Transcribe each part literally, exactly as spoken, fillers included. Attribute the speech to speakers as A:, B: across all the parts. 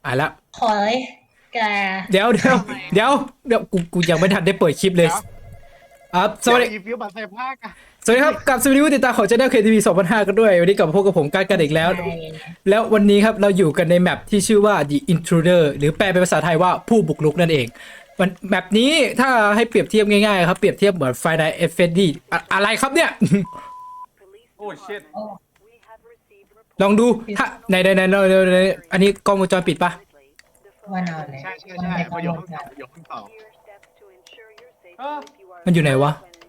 A: อ่ะละ
B: ขอเลยแก
A: เดี๋ยวเดี๋ยวเดี๋ยวเดี๋ยวกูกูยังไม่ทันได้เปิดคลิปเลยอ่ะสวัสดี
C: อีฟิวบัตรใส่ผ้ากะ
A: สวัสดีครับกับสวัสดีผู้ติดตามของ Channel เค ที วี สองพันห้ากันด้วยวันนี้กลับมาพบกับผมการกันอีกแล้ว
B: ใช่
A: แล้ววันนี้ครับเราอยู่กันในแมปที่ชื่อว่า The Intruder หรือแปลเป็นภาษาไทยว่าผู้บุกรุกนั่นเองมันแมปนี้ถ้าให้เปรียบเทียบง่ายๆครับเปรียบเทียบเหมือน Five Nights at Freddy อะอะไรครับเนี่ย
C: โอ้ชิต
B: โอ้
A: ลองดูถ้าในในในในอันนี้กล้องวงจรปิดปะ
B: ว่านอนเลย
C: ใช่ใช่
B: วัน
C: ใช่
B: ในก
C: ป
B: ล้อ
C: ระ
B: ง
C: โยว
B: ง
C: ค
B: จร
C: ประโยคต่อ
D: เออ
A: มันอยู่ไหนวะ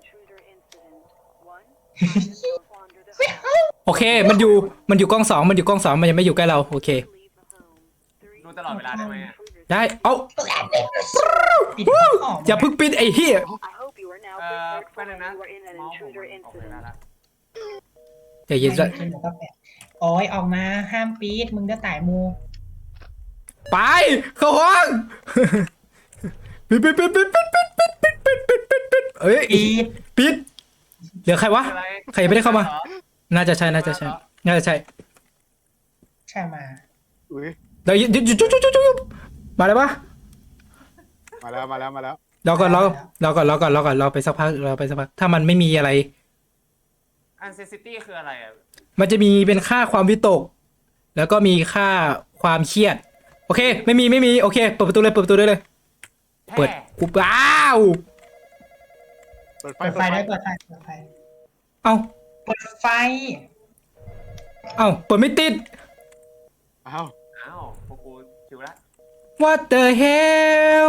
A: โอเคมันอยู่มันอยู่กล้องสองมันอยู่กล้องสองมันยังไม่อยู่ใกล้เราโอเค
D: ดูตลอดเวลาได้ไหมอะ
A: ได้เอ้า
B: ปิดของ
A: อย่าเพิ่งปิดไอ้เหี้ย
D: เออแป๊บนึงนะเมาส์ผมมันออกไปแล้วละ
A: ใจเย็น
B: ไม่
A: ซะ
B: กินหมูกระแปะโอ้ยออกมาห้ามปีดมึงจะตายมู
A: ไปเข้าห้องปิดปิดปิดปิดปิดปิดปิดปิดปิดปิดปิดปิดเอ้ย
B: ปีด
A: ปิดเหลือใครวะ
D: อะไร
A: ใครยังไม่ได้เข้ามา น่าจะใช่น่าจะใช่น่าจะใช่
B: ใช่มา
C: อุ้ย
A: เดี๋ยวหยุดหยุดหยุดหยุดหยุดหยุดมาเลยปะ
C: มาแล้วมาแล้วมาแล้ว
A: รอก่อนรอรอก่อนรอก่อนรอก่อนรอไปสักพักรอไปสักพักถ้ามันไม่มีอะไร
D: อันเซซิตี้คืออะไรอ่ะ
A: มันจะมีเป็นค่าความวิตก แล้วก็มีค่าความเครียด โอเค ไม่มีไม่มีโอเคเปิดประตูเลยเปิดประตูได้เลย เปิด
D: แพร่
A: กูอ้าว
C: เปิดไฟ
B: เปิดไฟได้เปิดไฟเปิดไฟ
A: เอ้า
B: เปิดไฟ
A: เอ้าเปิดไม่ติด
C: อ้าว
D: อ้าวพวกกูชิวละ
A: What the hell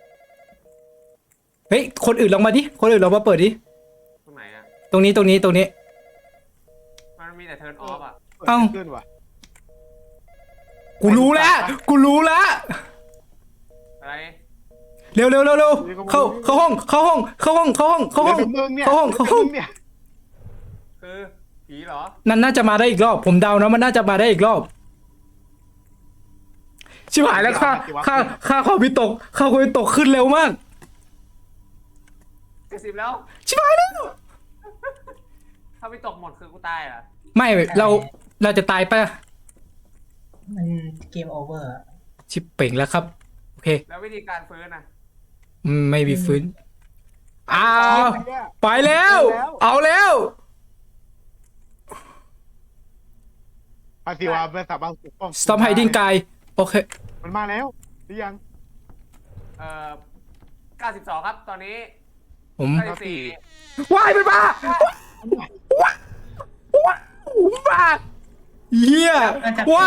A: เฮ้ยคนอื่นลองมาดิคนอื่นลองมาเปิดดิ
D: ตรงไหนอ่ะ
A: ตรงนี้ตรงนี้ตรงนี้
D: มันมีแต่เทิร์นออฟอ่ะ
C: เปิด
A: เอ้า
C: ขึ้นว่ะ
A: กูรู้แล้วกูรู้แล้ว
D: อะไร
A: เร็วเร็วเร็วเร็วเข้าเข้าห้องเข้าห้องเข้าห้องเข้าห้องเข้าห้อง
C: ดี๋ยวมึงเนี่ย
A: เข้าห้องเข้าห้อง
C: ดี๋ยวมึเนี่ย
D: คือผีเหรอ
A: นั่นน่าจะมาได้อีกรอบ ผมเดานะมันน่าจะมาได้อีกรอบ ชิบหายแล้วค่าค่าค่าความวิตกค่าความวิตกขึ้นเร็วมาก
D: กระซิบแล้ว
A: ชิบหายแล้ว
D: ถ้าไม่ตกหมดคือกูตายเหรอ่ะ
A: ไม่เราเราจะตายปะ
B: มันเกมโอเวอร์
A: ชิบเป่งแล้วครับโอเค
D: แล้ววิธีการฟื้นอ่ะ
A: อืมไม่มีฟื้นอ้าว
C: เนี่ย
A: ไปแล้ว เอาแล้ว
C: ภาษีวาเป็นสามารถปกป้อง
A: stop hiding กายโอเค
C: มันมาแล้วหรือยัง
D: เอ่อเก้าสิบสองครับตอนนี้
A: ผม
D: เก้าสิบสี่
A: ว้ายมันมาว้ายว้ายมาเฮียว้าย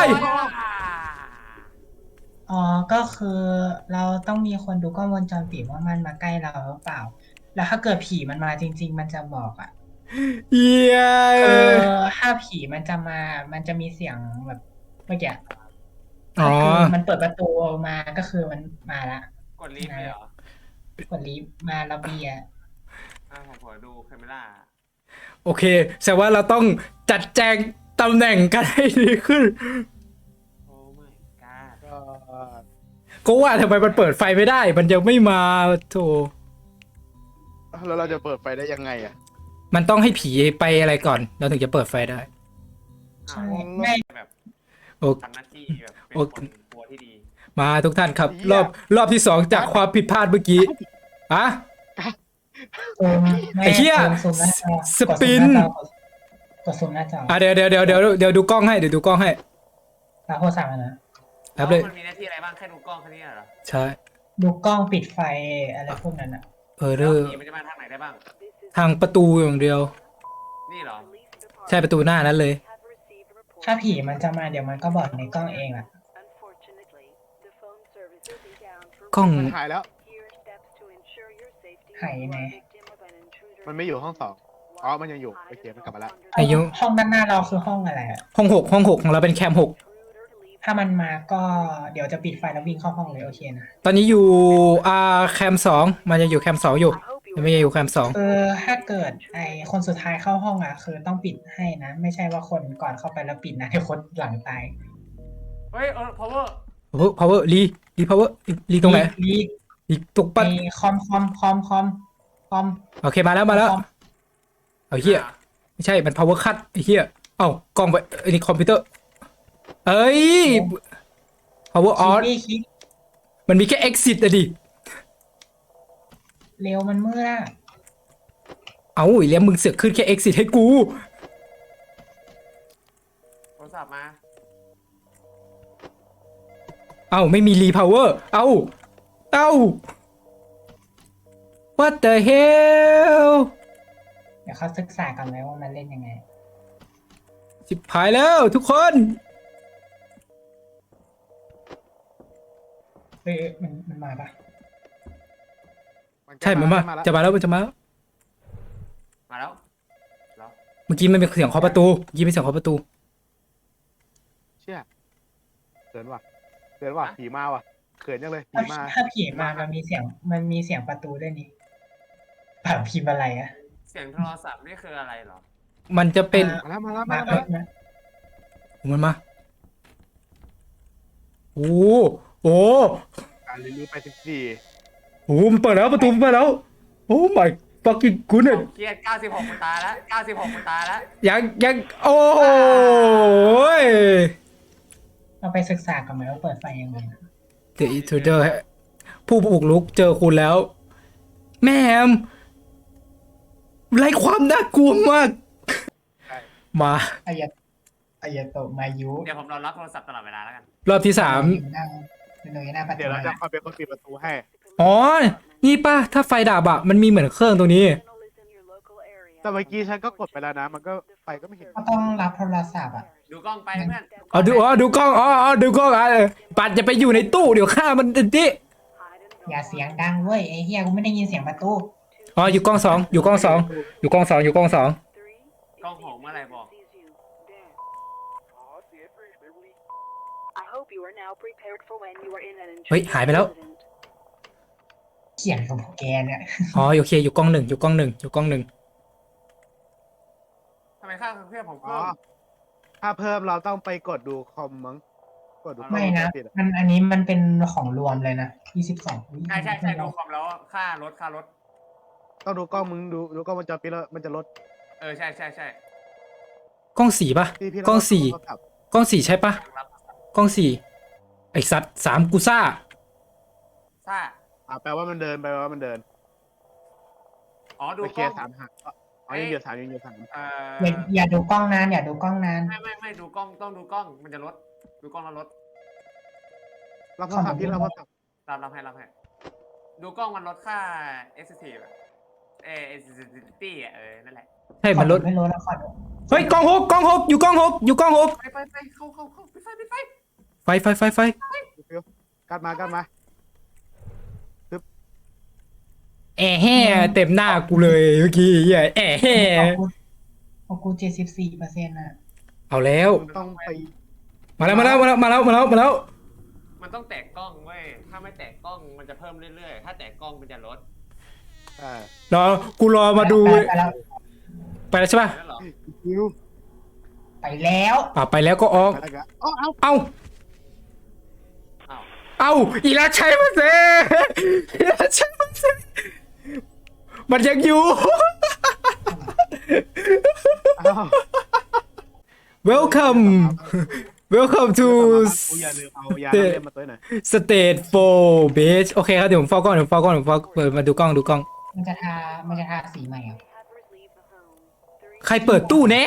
B: อ๋อก็คือเราต้องมีคนดูกล้องวงจรปิดว่ามันมาใกล้เราหรือเปล่า แล้วถ้าเกิดผีมันมาจริง ๆ มันจะบอกอ่ะ
A: เฮีย
B: เออถ้าผีมันจะมา มันจะมีเสียงแบบเมื่อกี้
A: อ๋อ
B: คือมันเปิดประตูมาก็คือมันมาละ
D: กดลิฟต์เลยเหรอก
B: ดลิฟต์มาระเบียง
D: อ่าผมขอดูแคมเมล่า
A: โอเคแสดงว่าเราต้องจัดแจงตำแหน่งกันให้ดีขึ้น
D: โอ้ไม่กา
C: ก็
A: ก็ว่าทำไมมันเปิดไฟไม่ได้ มันยังไม่มาโถ
C: แล้วเราจะเปิดไฟได้ยังไงอ่ะ
A: มันต้องให้ผีไปอะไรก่อน เราถึงจะเปิดไฟได้
B: ใช่ไม่
D: แบบ
A: โอ
D: ทำหน้าที่แบบเป็น
A: โอ
D: คนกลัวที่ดี
A: มาทุกท่านครับ รอบรอบที่สองจากความผิดพลาดเมื่อกี้อะ
B: ซูมม่
A: ไอ้เหี้ย
B: ซูมหน้าจอ
A: สปิน
B: กดซูมหน้าจอกดซูมหน้าจอ
A: อ่ะเดี๋ยวเดี๋ยวเดี๋ยวเดี๋ยวเดี๋ยวดูกล้องให้เดี๋ยวดูกล้องให้
B: แล้วโทรศัพท์อะนะ
A: ครับเลย
D: มันมีหน้าที่อะไรบ้างแค่ดูกล้องแค่นี้เหรอ
A: ใช่
B: ดูกล้องปิดไฟอะไรพวกนั้นอ่ะ
A: เออ
D: แล้
A: เด้
D: ว
A: อ
D: ผีมันจะมาทางไหนได้บ้าง
A: ทางประตูอย่างเดียว
D: นี่เหรอ
A: ใช่ประตูหน้านั้นเลย
B: ถ้าผีมันจะมาเดี๋ยวมันก็บอกในกล้องเองแหละ
A: กล้อง
C: มันหายแล้ว
B: หายไหม
C: มันไม่อยู่ห้องสองอ๋อมันยังอยู่โอเคมันกลับมาแล้ว
A: อายุ
B: ห้องด้านหน้าเราคือห้องอะไรอะ
A: ห้องหกห้องหกของเราเป็นแคมหก
B: ถ้ามันมาก็เดี๋ยวจะปิดไฟแล้ววิ่งเข้าห้องเลยโอเคนะ
A: ตอนนี้อยู่อ่าแคมสองมันจะอยู่แคมสองอยู่ยังไม่อยู่แคมสอง
B: เออถ้าเกิดไอคนสุดท้ายเข้าห้องอ่ะ คือต้องปิดให้นะ ไม่ใช่ว่าคนก่อนเข้าไปแล้วปิดนะให้คนหลังตาย
D: เฮ้ยเออ power
A: power power รีรี power รีตรงไหน
B: ลี
A: รีตรง
B: ไป
A: ปัด
B: คอมคอมคอมคอมคอม
A: โอเคมาแล้วมาแล้ว
B: คอม
A: เอาเฮียไม่ใช่มัน power cut ไอ้เฮียเอ้ากล้องไปไอ้นี่คอมพิวเตอร์เอ้ย power
B: คิด
A: on
B: ดิคิด
A: มันมีแค่ exit อะดิ
B: เร็วมันมืดอะ
A: เอาอีแล้วมึงเสือกขึ้นแค่ exit ให้กู
D: โทรศัพท์มา
A: เอาไม่มี repower เอาเอา what the hell
B: เดี๋ยวเขาศึกษากันไหมว่ามันเล่นยังไง
A: สิบหายแล้วทุกคน
B: เฮ้ยมันมันมาปะ
A: ใช่มันมา
C: แล้ว
A: จะมาแล้วมันจะมาแล้ว
D: มาแล้วแล้ว
A: เมื่อกี้มันเป็นเสียงเคาะประตูเมื่อกี้เป็นเสียงเคาะประตู
C: เชี่ยเขินว่ะเขินว่ะผีมาว่ะเขินจังเลยผี
B: ถ้า
C: มา
B: ถ้าผีมามันมีเสียงมันมีเสียงประตูด้วยนี่แบบพิมพ์อะไรอะ
D: เสียงโทรศัพท์นี่คืออะไรเหรอ
A: มันจะเป็น
C: มาแล้วมาแล้ว
B: มา
C: มาแล้ว
B: มา
A: มันมาโอ้โห
C: การรีวิวไปสิบสี่
A: โอ้โหมันเปิดแล้วประตูมันเปิดแล้วโอ้ my fucking
D: ผ
A: goodness
D: มเครียดเก้าสิบหกมันตายแล้วเก้าสิบหกมันตายแล้ว
A: ยังยังโอ้ย
B: เราไปศึกษากันไหมว่าเปิดไฟยังไง
A: The Intruder ผู้บุกรุกเจอคุณแล้ว แม่มไร้ความน่ากลัวมาก
C: ใช่
A: มา
B: อายะอายะโตะมายุ
D: เดี๋ยวผมรอรับโทรศัพท์ตลอดเวลาแล้วกัน
A: รอบที่สาม
B: อยู่หน้าอยู่หน้าประตู
C: เดี๋ยวเราจะ
B: นะ
C: คอยเป็นคนปิดประตูให้
A: อ๋อ นี่ป่ะ ถ้าไฟดับอะมันมีเหมือนเครื่องตรงนี้
C: แต่เมื่อกี้ฉันก็กดไปแล้วนะ มันก็ไฟก็ไม่เห็น
B: ก็ต้องรับโทรศัพท์อ่ะ
D: ดูกล้องไปเพื่อน
A: อ๋อดูอ๋อดูกล้องอ๋ออ๋อดูกล้องอ่ะเออปัดจะไปอยู่ในตู้เดี๋ยวฆ่ามันติดิ
B: อย่าเสียงดังเว้ยไอ้เฮียกูไม่ได้ยินเสียงประตู
A: อ๋ออยู่กล้องสองอยู่กล้องสองอยู่กล้องสองอยู่กล้องสอง
D: กล้องหอมเมื่อไหร่บอก
A: เฮ้ยหายไปแล้ว
B: เขียนกับพวกแกเนี่ย
A: อ๋อโอเคอยู่กล้องหนึ่งอยู่กล้องหนึ่งอยู่กล้องหนึ่ง
D: ทำไมค่าเครื่องผม
C: อ๋อ
D: เพิ่ม
C: ถ้าเพิ่มเราต้องไปกดดูคอมมั้งกดดูคอ
B: ไม่นะ
C: ปิดอะ
B: มันอันนี้มันเป็นของรวมเลยนะยี่สิบสอง
D: ใช่ใช่ใช่ดูคอมแล้วค่ารถค่ารถ
C: ต้องดูกล้องมึงดูดูกล้องวงจรปิดแล้วมันจะลด
D: เออใช่ใช่ใช่
A: กล้องสี่ป่ะ
C: ที่พี่
A: กล้องสี่
C: โทรศัพท์
A: กล้องสี่ใช่ป่ะ
D: รับ
A: กล้องสี่ไอสัตว์สามกูซ่า
D: ซ่า
C: อ่าแปลว่ามันเดินแปลว่ามันเดิน
D: อ๋อดู
C: ไป
D: ก
C: เคลี
D: ล้
C: ย
D: อง
C: ร์สามหักอ๋อยังอยู่สามยังอยู่สาม
D: เอ่
B: อย่า
D: อ
B: อย่าดูกล้องนานอย่าดูกล้องนาน
D: ไม่ไม่ไม่ดูกล้องต้องดูกล้องมันจะลดดูกล้องแล้วลด
C: รับโทรศัพท์ที่รับโทรศัพท์
D: รับรับให้รับให้ดูกล้องมันลดค่า sensitive อะเออ sensitivity อ่ะเออนั่นแหละ
A: ใช่มันลด
B: ไม่รู้แล้วขอดู
A: เฮ้ยกล้องหกกล้องหกอยู่กล้องหกอยู่กล้องหก
D: ไปไปไปเข้าเข้าเข้าปิดไฟปิดไฟ
A: ไฟไฟไฟไฟ
C: ฟิวกัดมากัดมา
A: แอะแห่เต็มหน้ากูเลยเมื่อกี้เหี้ยแอะแห่
B: ของกูเจ็ดสิบสี่เปอร์เซ็นต์อ่ะ
A: เอาแล้ว
C: มึงต้องไป
A: มาแล้วมาแล้วมาแล้วมาแล้วมาแล้วมาแล้ว
D: มันต้องแตะกล้องเว้ยถ้าไม่แตะกล้องมันจะเพิ่มเรื่อยๆถ้าแตะกล้องมันจะลด
C: อ่าร
A: อกูรอมาดู
B: ไปแล้ว
A: ไปแล้วใช่ป่ะ
D: นั่นเหรอ
C: ฟิว
B: ไปแล้ว
A: อ่าไปแล้วก็ออก
C: ไปแล้วกันอ๋อเอา
A: เอา
D: อ้าว
A: เอาอีลาชัยมาเซอีลาชัยมาเซมันยังอยู่
C: เอา
A: welcome welcome to
C: กูอย่าลืมเอายาน้ำเล่มมาตัวหน่อย
A: state four beach โอเคครับเดี๋ยวผมเฝ้ากล้องเดี๋ยวผมเฝ้ากล้องเดี๋ยวผมเฝ้าเปิดมาดูกล้องดูกล้อง
B: มันจะทามันจะทาสีใหม่อ่ะ
A: ใครเปิดตู้เนะ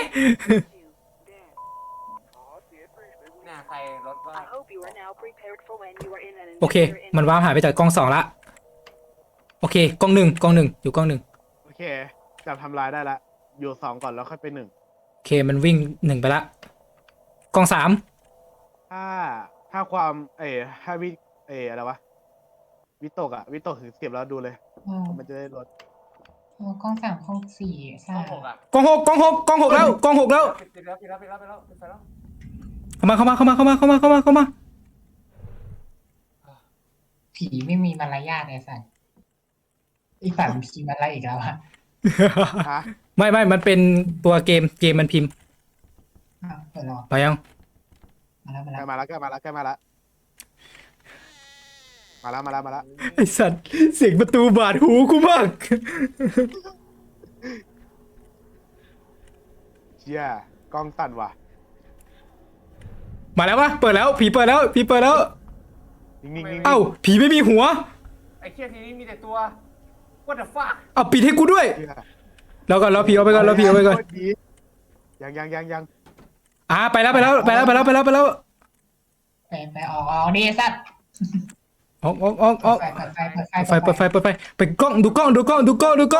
D: เนี่ยใครลดว่า
A: โอเค มันว้าร์ปหายไปจากกล้องสองละโอเคกล้องหนึ่งกล้องหนึ่งอยู่กล้องหนึ่ง
C: โอเคจับทำลายได้ละอยู่สองก่อนแล้วค่อยไปหนึ่ง
A: โอเคมันวิ่งหนึ่งไปละกล้องสาม
C: ถ้าถ้าความเอ๋ถ้าวิเอ๋อะไรวะวิตกอะวิตกถึงสิบแล้วดูเลย
B: อ๋อ
C: มันจะได้ลด
B: อ๋อกล้องสามกล้องสี่
D: กล้
B: ซ่า
D: องหกอ่ะ
A: กล้องหกกล้องหกกล้องหกแล้วกล้องหกแล้ว
D: ปิดปิดแล้วปิดแล้วปิดแล้วปิดแล้วปิดไฟแล้ว
A: เข้ามาเข้ามาเข้ามาเข้ามาเข้ามาเข้ามาเข้ามา
B: ผีไม่มีมารยาทไอ้สัตว์อีฝ่ายมันผีมาไล่อีกแล้วอะ
C: ฮะ
A: ไม่ไม่มันเป็นตัวเกมเกมมันพิมพ์
B: อ้าวเดี๋ยวรอ
A: ไปยัง
B: มาแล้วมา
C: ใก
B: แล้
C: ล้ว มาแล้วใกล้มาแล้วใกล้มาแล้วมาแล้วมาแล้วมาแล้ว
A: ไอสัตว์เสียงประตูบาดหูกูมาก
C: เชี่ยกล้องสั่นว่ะ
A: มาแล้ววะเปิดแล้วผีเปิดแล้วผีเปิดแล้ว
C: นิ่งๆนิ่งๆ
A: เอ้าผีไม่มีหัว
D: ไอ้เคียทีนี้มีแต่ตัว what the fuck
A: เอาปิดให้กูด้วย
C: เหี้ย
A: แล้วก่อนเราผีเอาไปก่อนเราผีเอาไปก่อน
C: โคตรดียังยังยังยัง
A: อ่าไปแล้วไปแล้วไปแล้วไปแล้วไปแล้วไปแล้ว
B: ไปไปออกออกดิสัตว์
A: ออกออกออกออก
B: เปิดไฟเปิดไฟ
A: เปิดไฟเปิดไฟเปิดไฟไปกล้องดูกล้องดูกล้องดูกล้องดูกล้อง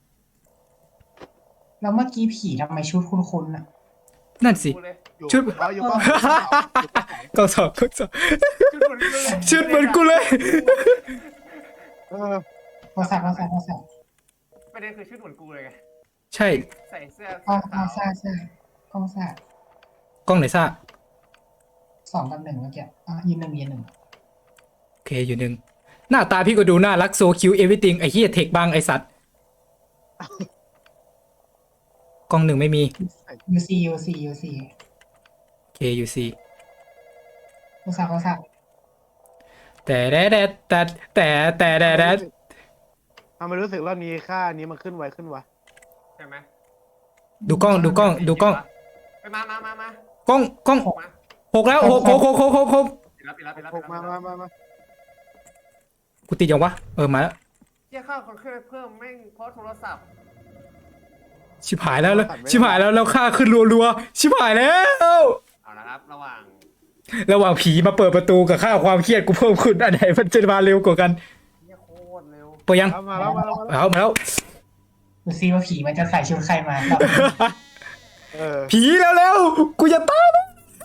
B: แล้วเมื่อกี้ผีทำไมชุดคุ้นๆอ่ะ
A: นั่นสิ
D: กูเลย
C: อยู่
A: ชุด
C: เอาอยู่ก็
A: กล้องสองกล้องสอง
D: ชุดเหมือนกูเลย
A: ชุดเหมือนกูเลย
C: เออ
B: โทรศัพท์โทรศัพท์โทรศัพท์
D: ประเด็นคือชุดเหมือนกูเลยไง
A: ใช่
D: ใส่เสื้อก
B: ล้องกล้
D: ขา
B: อง
D: ว
B: ซ่าซ่ากล้องซ่าก
A: ล้องไหนซ่า
B: สองกับหนึ่งเมื่อกี้อ่ะยืนหนึ่งยืนหนึ่ง
A: โอเคอยู่หนึ่งหน้าตาพี่ก็ดูน่ารักโซคิวเอวิติงไอ้เหี้ยเทคบางไอ้สัตว์กล้องหนึ่งไม่มี
B: ยูซียูซียูซี
A: โอเคอยู่สี่
B: โทรศัพท์โทรศัพท์
A: แต่แต่แต่แต่แต่แต่แต่แต่
C: ทำไมรู้สึกรอบนี้ค่านี้มันขึ้นไวขึ้นวะ
D: ใช่ไหม
A: ดูกล้องดูกล้องดูกล้อง
D: ไปมามามามา
A: กล้องกล้อง
D: มา
A: หกแล้วหกหกหกหกหกหก
D: ปิดแล้วปิดแล้วปิดแล้ว
C: หกมามามามา
A: กูติดยังวะเออมาแล้ว
D: เที่ยข้าวคนขึ้นไปเพิ่มแม่งเพราะโทรศัพท์
A: ชิบหายแล้วแล้วชิบหายแล้วแล้วค่าขึ้นรัวๆชิบหายแล้ว
D: เอาละครับระหว่าง
A: ระหว่างผีมาเปิดประตูกับค่าความเครียดกูเพิ่มขึ้นอันไหนมันจะมาเร็วกว่ากัน
D: เที่ยโคตรเร็ว
A: เปิดยัง
C: เอามาแล้วมาแล้วมาแล้ว
A: เอามาแล้ว
B: ดูซิว่าผีมันจะใส่ชุดใครมา
C: เออ
A: ผีแล้วแล้วกูจะตายแล้ว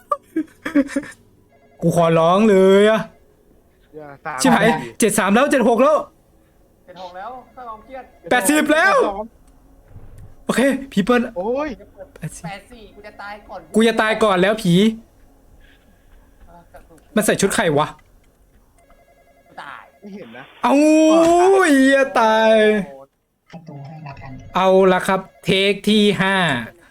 A: กูขอร้องเลยอะ
C: อย่าสาม
A: ชิบหายเจ็ดสามแล้วเจ็ดหกแล้ว
D: เจ็ดหกแล้วข้าวความเครียด
A: แปดสิบแล้ว โอเคผีเปิ้ล
C: โอ้ย
A: แปดสิบ
D: แปดสี่กูจะตายก่อน
A: กูจะตายก่อนแล้วผี
D: เออกระตุก
A: มันใส่ชุดใครวะ
D: กูตาย
C: ไม่เห็นนะ
A: เอาเหี้ยตาย
D: โอ้
B: ประตูให้ละกัน
A: เอาละครับ เทคที่ห้า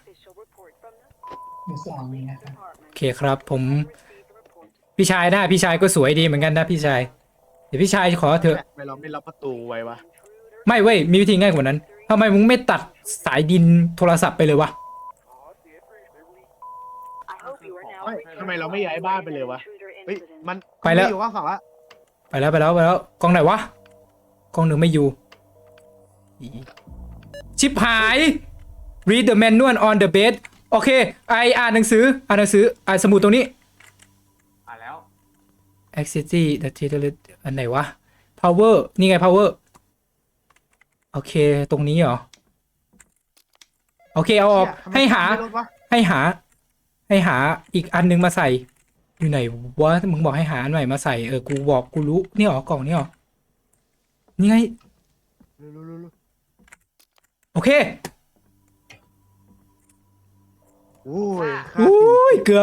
B: อยู่สองนี้นะครับ
A: โอเคครับผมพี่ชายนะพี่ชายก็สวยดีเหมือนกันนะพี่ชายเดี๋ยวพี่ชายขอเถอะ
C: ทำไมเราไม่ล็อกประตูไว้วะ
A: ไม่เว้ยมีวิธีง่ายกว่านั้นทำไมมึงไม่ตัดสายดินโทรศัพท์ไปเลยวะ
C: ไม่ทำไมเราไม่ย้ายบ้านไปเลยวะเฮ้ยมัน
A: ไปแล้ว
C: ม่อยู่ข้างฝั่งละ
A: ไปแล้วไปแล้วไปแล้วกล้องไหนวะกล้องหนึ่งไม่อยู่อีชิบหาย read the manual on the bed โอเคไออ่านหนังสืออ่านหนังสืออ่านสมุดตรงนี้
D: อ่ะแล้ว
A: activity the title อันไหนวะ power นี่ไง power โอเคตรงนี้เหรอโอเคเอาออก
C: เยทำไม
A: ให้หา
C: ไม่ลดวะ
A: ให้หา ให้หาอีกอันนึงมาใส่ อยู่ไหนวะมึงบอกให้หาอันใหม่มาใส่เออกูบอกกูรู้นี่หรอกล่องนี่หรอนี่ไง
C: เร็วๆเร็ว
A: โอเค
C: ๆโอ้ยค่า
A: อุ้
C: สี่
A: ยเกือบ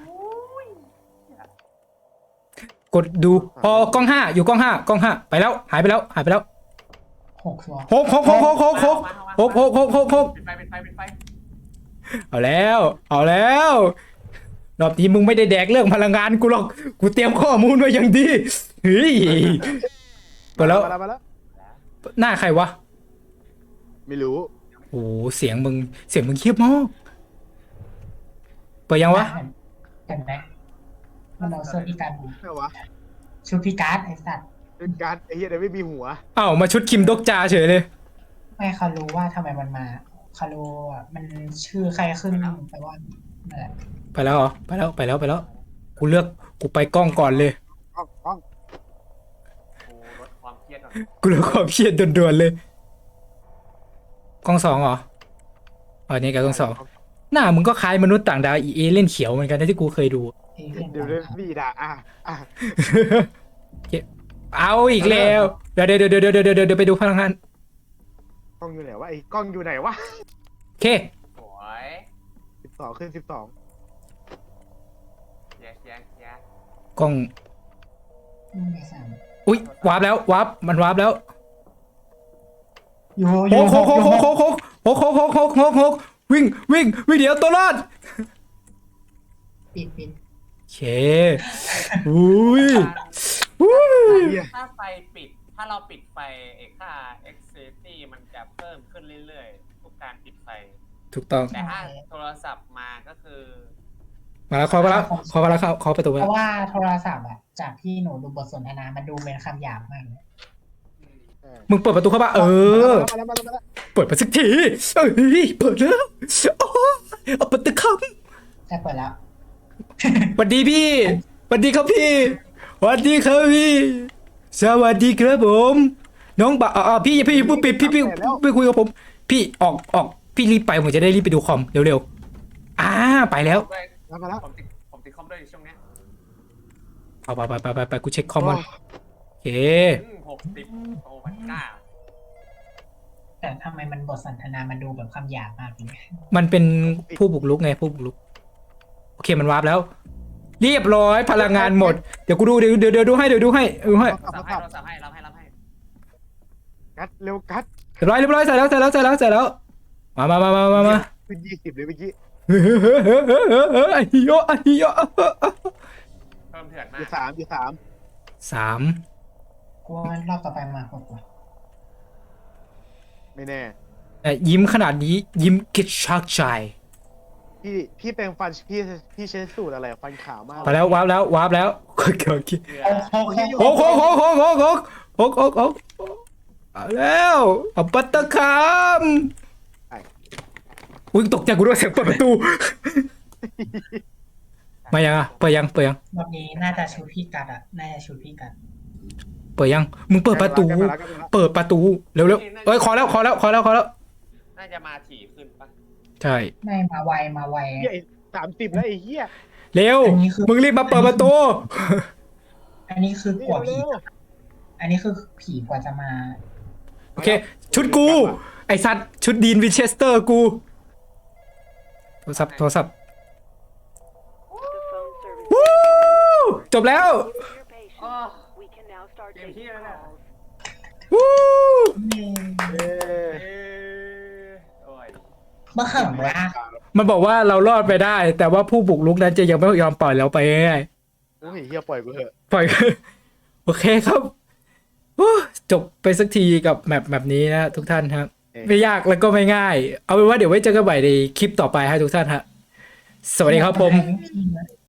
A: กดดูพอกล้องห้าอยู่กล้องห้ากล้องห้าไปแล้วหายไปแล้วหายไปแล้ว
B: หกตัว
A: หกหกหกหกหกหกหกหกหกหกหก
D: ปิดไฟปิดไฟปิดไฟ
A: เอาแล้ว เอาแล้วรอบนี้มึงไม่ได้แดกเรื่องพลังงานกูหรอกกูเตรียมข้อมูลไว้อย่างดีเฮ้ยไปแล้ว
C: มาแล้วมาแล้ว
A: หน้าใครวะ
C: ไม่รู้
A: โอ้เสียงมึงเสียงมึงเคียบมากเปิดยังวะ
B: เห็นไหมมันเอาเสื้อพิการ
C: ใช่วะ
B: ชุดพิการไอ้สัตว์
C: เป็นการไอ้เหี้ยเดี๋ยวไม่มีหัว
A: อ้าวมาชุดคิมดกจาเฉยเลย
B: ไม่เขารู้ว่าทำไมมันมาเขารู้อ่ะมันชื่อใครขึ้นแต่ว่านั่นแหละ
A: ไปแล้วเหรอไปแล้วไปแล้วไปแล้ว กูเลือกกูไปกล้องก่อนเลย
C: อ้องอ้อง
D: กูลดความเครียดก่อน
A: กูเลือกความเครียดด่วนๆเลยกล้องสองเหรออ๋อนี่กับกล้องสองหน้ามึงก็คล้ายมนุษย์ต่างดาวอีเอเล่นเขียวเหมือนกันนะที่กูเคยดู
B: เอเลี่ยน
C: เดี๋ยวเดี๋ยวพี่ด่าอ่ะอ่ะ
A: เอาอีกแล้วเดี๋ยวเดี๋ยวเดี๋ยวเดี๋ยวเดี๋ยวเดี๋ยวไปดูพลังงาน
C: กล้องอยู่ไหนวะไอ้กล้องอยู่ไหนวะ
A: โอเค
D: สวย
C: สิบสองขึ้นสิบสอง
D: แยกแยกแยก
A: กล้อง
B: อืมไอ้สาม
A: อุ้ยวาร์ปแล้ววาร์ปมันวาร์ปแล้ว
B: อยู่อ
A: โค
B: ยู่
A: กโคกโคกโคกโคกโคกโคกโคกโคกโคกโคกวิ่งวิ่งวิ่งเดี๋ยวตัวรอด
B: ปิดปิด
A: โอเคอุ้ยอุ้ย
C: เหี้ย
D: ถ้าไฟปิด ถ้าเราปิดไฟไอ้ค่า activity มันจะเพิ่มขึ้นเรื่อยๆ ทุกการปิดไฟ
A: ถูกต้อง
D: แต่ถ้าโทรศัพท์มาก็คือ
A: มาแล้วเคาะมาแล้วเคาะมาแล้วเข้าเคาะประตูมา
B: เพ
A: แล้ว
B: ราะว่าโทรศัพท์อะจากที่หนูดูบทสนทนา มันดูเป็นคำหยาบมากเลย
C: เออ
A: มึงเปิดประตูเข้ามาเออ
C: มาแล้วมาแล้วมาแล้วมาแล้ว
A: เปิดมาสักทีเอ้ยเปิดแล้วโอ้เอาประตูเข้า
B: แต่เปิดแล้ว
A: สวัสดีพี่สวัสดีครับพี่สวัสดีครับพี่สวัสดีครับผมน้องบ่าวอ่าพี่พี่พี่ปิดพี่พี่พี่คุยกับผม พี่ออกออกพี่รีบไปผมจะได้รีบไปดูคอมเร็วๆอ่าไปแล้ว
D: ด้วย
C: มาแล้ว
D: ผมติดผมติดคอมด้วยช่วงเนี้ย
A: เอาไปไปไปไปไปกูเช็คคอมก่อนโอเค
D: อืมหกสิบโอ้พันเก้า
B: แต่ทำไมมันบทสนทนา มันดูแบบคำหยาบมากเลย
A: มันเป็นผู้บุกรุกไงผู้บุกรุกโอเคมันวาร์ปแล้ว เรียบร้อยพลังงานหมดเดี๋ยวกูดูเดี๋ยวเดี๋ยวเดี๋ยวดูให้เดี๋ยวดูให้ดูให้
D: โทรศัพท์ให้โทรศัพท์ให้รับให้รับให้
C: กัดเร็วกัด
A: เรียบร้อยเรียบร้อยใส่แล้วใส่แล้วใส่แล้วใส่แล้วมามามามามามา
C: ขึ้นยี่สิบเลยเมื่อกี้
A: เฮ้ยเฮ้ยเฮ้ยเฮ้ยเฮ้ยเฮ้ยไอ้เหี้ยไอ้เหี้ย
D: เพิ่มเถื่อน
C: อ
D: มา
C: ยู่
D: ก
C: สามอยู่สาม
A: สาม
B: กลัวรอบต่อไปมาหกว่ะ
C: ไม่แน่
A: แต่ยิ้มขนาดนี้ยิ้มกิดชักใจ
C: พี่พี่แปรงฟันพี่พี่ใช้สูตรอะไรฟันขาวมาก
A: ไปแล้ววาร์ปแล้ววาร์ปแล้วโอเคโอเค
D: เกลือ
B: โอ้โห
A: โอ้โหโอ้โหโอ้โหโอ้โหโอ้โหโอ้โหเอาแล้วเอาปัตตะคามอุ้ยตกใจกูด้วยเสียงเปิดประตู มายังอ่ะเปิดยังเปิดยัง
B: รอบนี้น่าจะชูพี่กัดอะน่าจะชูพี่กัด
A: เปิดยังมึงเปิดประตู เปิดประตูเร็วๆเอ้ยขอแล้วขอแล้วขอแล้วขอแล้ว
D: น่าจะมาถี่ขึ้นปะ
A: ใช่
B: ไม่มาไวมาไว
C: เหี้ยสามสิบแล้วไอ้เหี้ย
A: เร็ว
B: อันนี้คือ
A: มึงรีบมาเปิดประตู
B: อันนี้คือกว่าผี อันนี้คือผีกว่าจะมา
A: โอเค ชุดกู ไอสัตว์ชุดดีนวินเชสเตอร์กู โทรศัพท์โทรศัพท์ วู้จบแล้ว
D: อ๋อ
E: We can now start
D: เกม
E: taking
D: ที่แล้วเนี่ย
E: calls.
A: วู้
C: เอ้ย
D: เอ้ยโอ้ย
B: เมื่อเขิมเลยอะ
A: มันบอกว่าเรารอดไปได้ แต่ว่าผู้บุกรุกนั้นจะยังไม่ยอมปล่อยเราไปง่าย
C: โอ้ยเหี้ยปล่อยกูเถอะ
A: ๆปล่อย โอเคครับโอ้จบไปสักทีกับแมปแบบนี้นะทุกท่านครับ ไม่ยากแล้วก็ไม่ง่าย เอาเป็นว่าเดี๋ยวไว้เจอกันใหม่ในคลิปต่อไปให้ทุกท่านฮะ สวัสดีครับผม
B: ไ